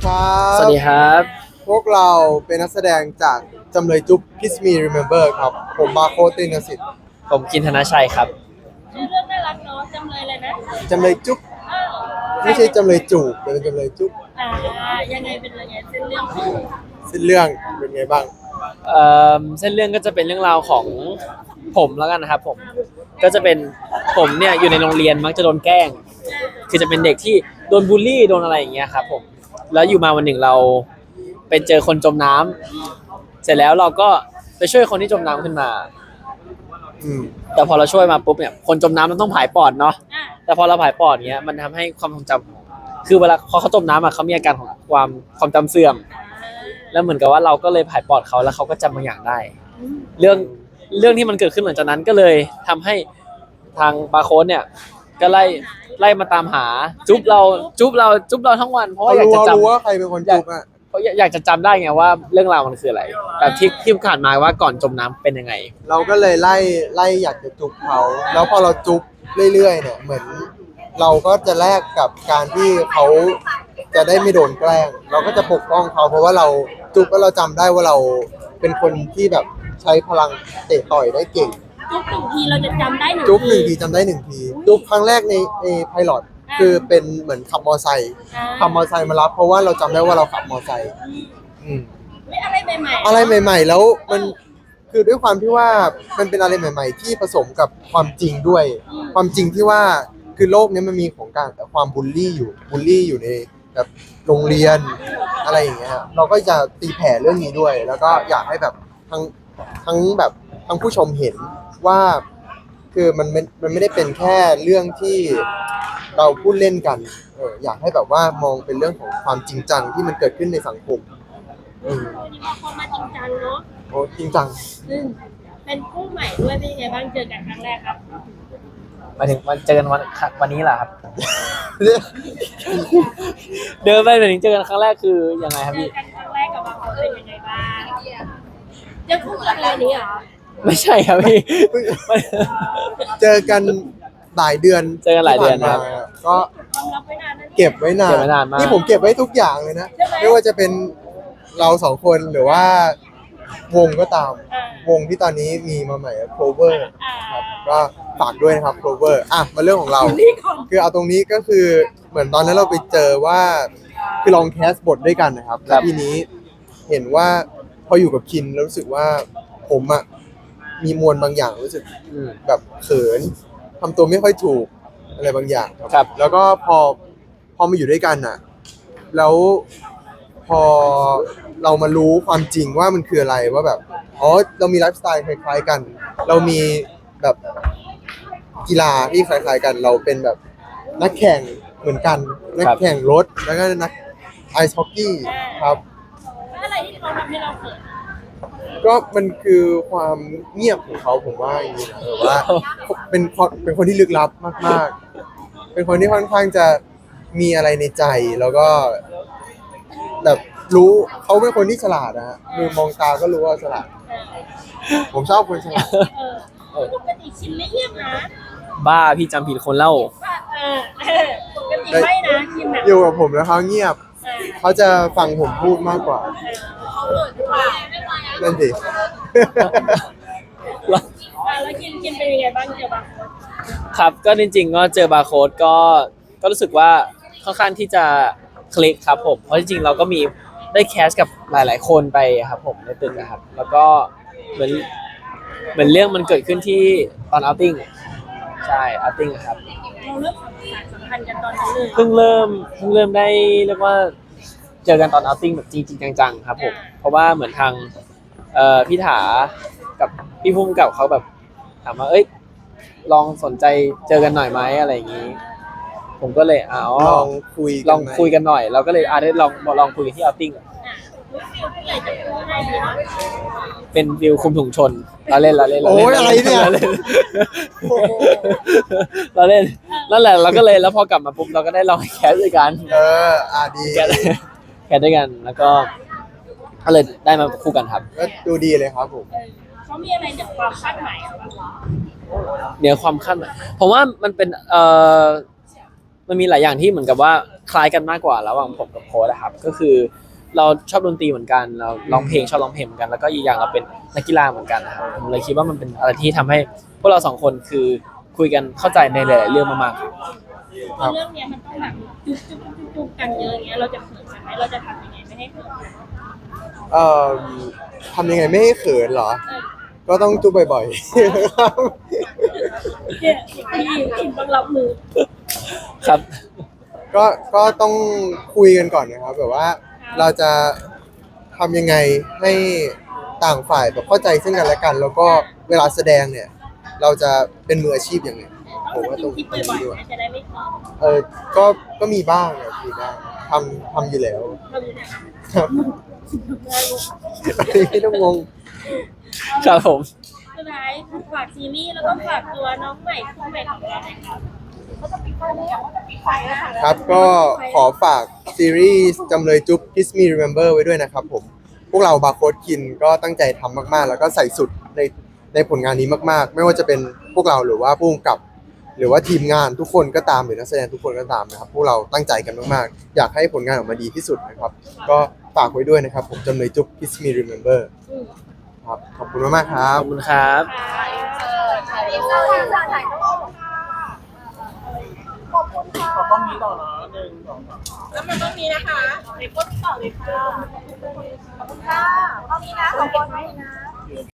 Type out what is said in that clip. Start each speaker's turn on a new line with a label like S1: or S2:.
S1: ครับ
S2: สวัสดีครับ
S1: พวกเราเป็นนักแสดงจากจำเลยจุ๊บ Kiss Me Remember ครับ ผมบาโคตินสิทธิ์
S2: ผมกินธนชัยครับ
S3: ชื่อเรื่องน่ารักเนาะจำเลยเลยนะ
S1: จำเลยจุ๊บ
S3: อ้าว
S1: ไม่ใช่จำเลยจูบแต่เป็นจำเลยจุ๊บ
S3: อ่ายังไงเป็นยังไงเส้นเรื่องของ
S1: สิ้นเรื่องเป็นไงบ้าง
S2: เส้นเรื่องก็จะเป็นเรื่องราวของผมแล้วกันนะครับผมก็จะเป็นผมเนี่ยอยู่ในโรงเรียนมักจะโดนแกล้ง คือจะเป็นเด็กที่โดนบูลลี่โดนอะไรอย่างเงี้ยครับผมแล้วอยู่มาวันหนึ่งเราไปเจอคนจมน้ำเสร็จแล้วเราก็ไปช่วยคนที่จมน้ำขึ้นมา
S1: อืม
S2: แต่พอเราช่วยมาปุ๊บเนี่ยคนจมน้ำมันต้องผายปอดเนาะ
S3: อ่า
S2: แต่พอเราผายปอดเนี้ยมันทำให้ความทรงจำคือเวลาพอเขาจมน้ำอะเขามีอาการของความจำเสื่อม แล้วเหมือนกับว่าเราก็เลยผายปอดเขาแล้วเขาก็จำบางอย่างได้ เรื่องที่มันเกิดขึ้นหลังจากนั้นก็เลยทำให้ทางบาร์โค้ดเนี่ยก็ไล่มาตามหาจุ๊บเราทั้งวันเพราะว่า
S1: เขา
S2: อยาก
S1: รู้
S2: จะ
S1: ว่า
S2: จำ
S1: ใครเป็นคนจุ๊บอ่ะ
S2: เพราะอยากจะจำได้ไงว่าเรื่องราวมันคืออะไรแบบที่ผ่านมาว่าก่อนจมน้ำเป็นยังไง
S1: เราก็เลยไล่อยากจะจุ๊บเขา แล้วพอเราจุ๊บเรื่อยๆเนี่ยเหมือนเราก็จะแลกกับการที่เขาจะได้ไม่โดนแกล้ง เราก็จะปกป้องเขาเพราะว่าเราจุ๊บแล้วเราจำได้ว่าเราเป็นคนที่แบบใช้พลังเตะต่อยได้เก่ง
S3: จุ๊บหนึ่งทีเราจะจำได้หนึ่ง
S1: จุ๊บหนึ่งทีจำได้หนึ่งทีจุ๊บครั้งแรกในไพลอตคือเป็นเหมือนขับมอไซค์ขับมอไซค์มารับเพราะว่าเราจำได้ว่าเราขับมอไซค์อืม
S3: ไม่อะไรใหม่ๆ
S1: อะไรใหม่ ๆ แล้วมันคือด้วยความที่ว่ามันเป็นอะไรใหม่ ๆ ที่ผสมกับความจริงด้วย ความจริงที่ว่าคือโลกนี้มันมีของการความบูลลี่อยู่ในแบบโรงเรียนอะไรอย่างเงี้ยเราก็จะตีแผ่เรื่องนี้ด้วย แล้วก็อยากให้แบบทั้งแบบทั้งผู้ชมเห็นว่าคือมันไม่ได้เป็นแค่เรื่องที่เราพูดเล่นกันอยากให้แบบว่ามองเป็นเรื่องของความจริงจังที่มันเกิดขึ้นในสังคม
S3: วันนี้มาพอมาจริงจังเนาะ
S1: โอ้จริงจัง
S3: ซึ่งเป็นคู่ใหม่ด้วยเป็นยังไงบ้างเจอกันครั้งแรกครับ
S2: มาถึงวันเจอกันวันนี้แหละครับ เดินไปถึงเจอกันครั้งแรกคือยังไงครับ
S3: เจอ
S2: พี่
S3: กันครั้งแรกกับบางคนเป็นยังไงบ้างเจอคู่กันเลยนี้เหรอ
S2: ไม่ใช่ครับพี่
S1: เจอกันหลายเดือน
S2: เจอกันหลายเดือน
S1: ที่ผ่
S2: ครับ
S1: มาก็
S3: ความลับไว้นานนั่น
S1: เก็บไว้นาน
S2: เก็บไว้นานมาก
S1: นี่ผมเก็บไว้ทุกอย่างเลยนะ
S3: ใช่ไหม
S1: ไม่ว่าจะเป็นเราสองคนหรือว่าวงก็ตาม วงที่ตอนนี้มีมาใหม่ Clover ครับก็ฝากด้วยนะครับ Clover อ่ะมาเรื่องของเรา
S3: นี่ก่อน
S1: คือเอาตรงนี้ก็คือเหมือนตอนนั้นเราไปเจอว่าคือลองแคสบทด้วยกันนะครับแล้วทีนี้เห็นว่าพออยู่กับคินแล้วรู้สึกว่าผมอ่ะมีมวลบางอย่างรู้สึก
S2: อืม
S1: แบบเขินทำตัวไม่ค่อยถูกอะไรบางอย่าง
S2: ครับ
S1: แล้วก็พอมาอยู่ด้วยกันอ่ะ แล้วพอเรามารู้ความจริงว่ามันคืออะไรว่าแบบอ๋อเรามีไลฟ์สไตล์คล้ายๆกัน เรามีแบบกีฬาที่คล้ายๆกัน เราเป็นแบบนักแข่งเหมือนกัน นักแข่งรถแล้วก็นักไอซ์ฮอกกี้ครับ
S3: แล้วอะไรที่เขาทำให้เราเขิน
S1: ก็มันคือความเงียบของเขาผมว่าอย่างนี้นะแบบว่าเป็นคนที่ลึกลับมากๆ เป็นคนที่ค่อนข้างจะมีอะไรในใจแล้วก็แบบรู้เขาเป็นคนที่ฉลาดนะฮะคือมองตาก็รู้ว่าฉลาด ผมชอบคนฉลาด
S3: ปกติชินไม่เงียบนะ
S2: บ้าพี่จำผิดคนเล่า
S3: ว่าปกติไม่นะชินแบบ
S1: อยู่กับผมแล้วเขาเงียบ เขาจะฟังผมพูดมากกว่า
S3: เขาเกิดว่า
S1: นั่นสิ
S3: แล้วกินเป็นยังไงบ้างเจอบางคน
S2: ครับก็จริงๆก็เจอบาร์โค้ดก็รู้สึกว่าค่อนข้างที่จะคลิกครับผมเพราะจริงๆเราก็มีได้แคสกับหลายๆคนไปครับผมในตึกนะครับ แล้วก็เหมือนเรื่องมันเกิดขึ้นที่ตอนเอาติ้งใช่เอาติ้งครับ
S3: เราเริ่มสัมพันธ์กันตอนนั้นเลย
S2: เพิ่งเริ่มได้เรียกว่าเจอกันตอนเอาติ้งแบบจริงๆจังๆครับผมเพราะว่าเหมือนทางพี่ถากับพี่พุ่มกับเขาแบบถามว่าเอ้ยลองสนใจเจอกันหน่อยไหมอะไรอย่างนี้ ผมก็เลย
S1: ลองคุย
S2: ลองคุยกันหน่อยเราก็เลยได้ลองคุยกันที่เอาติ้ง
S3: ฟิลที่เลยจะพูดให้ดีเนาะ
S2: เป็นวิวคุมถุงชนเราเล่น
S1: โอ้ยอะไรเนี่ย
S2: เราเล่นเราเล่นนั่นแหละเราก็เลยแล้วพอกลับมาปุ๊บเราก็ได้ลองแคสด้วยกัน
S1: ดี
S2: แคสด้วยกันแล้วก็เลยได้มาคู่กันครับ
S1: ก็ดูดีเลยครับผม
S3: เขามีอะไรจากความคาดหมายเราบ้างวะ
S2: เหนือความคาดหมายผมว่ามันเป็นมันมีหลายอย่างที่เหมือนกับว่าคล้ายกันมากกว่าระหว่างผมกับโค้ดนะครับก็คือเราชอบดนตรีเหมือนกันเราร้องเพลงชอบร้องเพลงเหมือนกันแล้วก็อีกอย่างเราเป็นนักกีฬาเหมือนกันนะครับผมเลยคิดว่ามันเป็นอะไรที่ทำให้พวกเราสองคนคือคุยกันเข้าใจในหลายๆเรื่องมากๆครับ
S3: พอเรื่องเนี้ยมันต้องแบบจุ๊บกันเยอะอย่างเงี้ยเราจะเขินกันไหมเราจะทำยังไงไม่ให้เขิน
S1: เอ่อทำยังไงไม่ให้เขินเหรอ ก็ต้องจุ๊บบ่อยๆครับ
S3: เนี่ยพี่อินต้องรับมือ
S2: ครับ
S1: ก็ต้องคุยกันก่อนนะครับแบบว่าเราจะทำยังไงให้ต่างฝ่ายแบบเข้าใจซึ่งกันและกัน แล้วก็เวลาแสดงเนี่ย เราจะเป็นมืออาชีพอย่างไรผ
S3: ต้อ
S1: ม
S3: ง
S1: ว่า
S3: ส
S1: ต
S3: กิ
S1: ร
S3: น
S1: ง
S3: ทิป
S1: นี้
S3: บ่อย
S1: ด้วย
S3: ๆจะได้ไม่เขิน
S1: ก็มีบ้างครับมีบ้างทำอยู่แล้ว
S3: เราอยู่เนี่ย
S1: ครับอันนี้ไม่ต้องงง
S2: ครับผม
S3: สุดท้ายฝากซีรีส์แล้วก็ฝากตัวน้องใหม่คู่ใหม่ของเราหน่อยครับเขาจะปิดไฟแล้วเขาจะปิดไฟแล้วค่ะ
S1: ครับก็ขอฝากซีรีส์จำเลยจุ๊บ Kiss Me Remember ไว้ด้วยนะครับผม พวกเราบาร์โค้ดคินก็ตั้งใจทำมากๆ แล้วก็ใส่สุดในผลงานนี้มากๆ ไม่ว่าจะเป็นพวกเราหรือว่าผู้กำกับ หรือว่าทีมงานทุกคนก็ตามหรือนักแสดงทุกคนก็ตามนะครับ พวกเราตั้งใจกันมากๆ อยากให้ผลงานออกมาดีที่สุดนะครับ ก็ฝากไว้ด้วยนะครับผมจำเลยจุ๊บ Kiss Me Remember ครับขอบคุณมากๆครั
S2: ข
S1: บ
S2: อบคุณครับ
S4: ขอกล้องนี้ต่อนะ1 2 3
S3: แล้วมันต้องมีนะคะไปกดต่อเลยค่ะ
S5: ขอบคุณค่ะตอนนี้นะขอบคุณนะ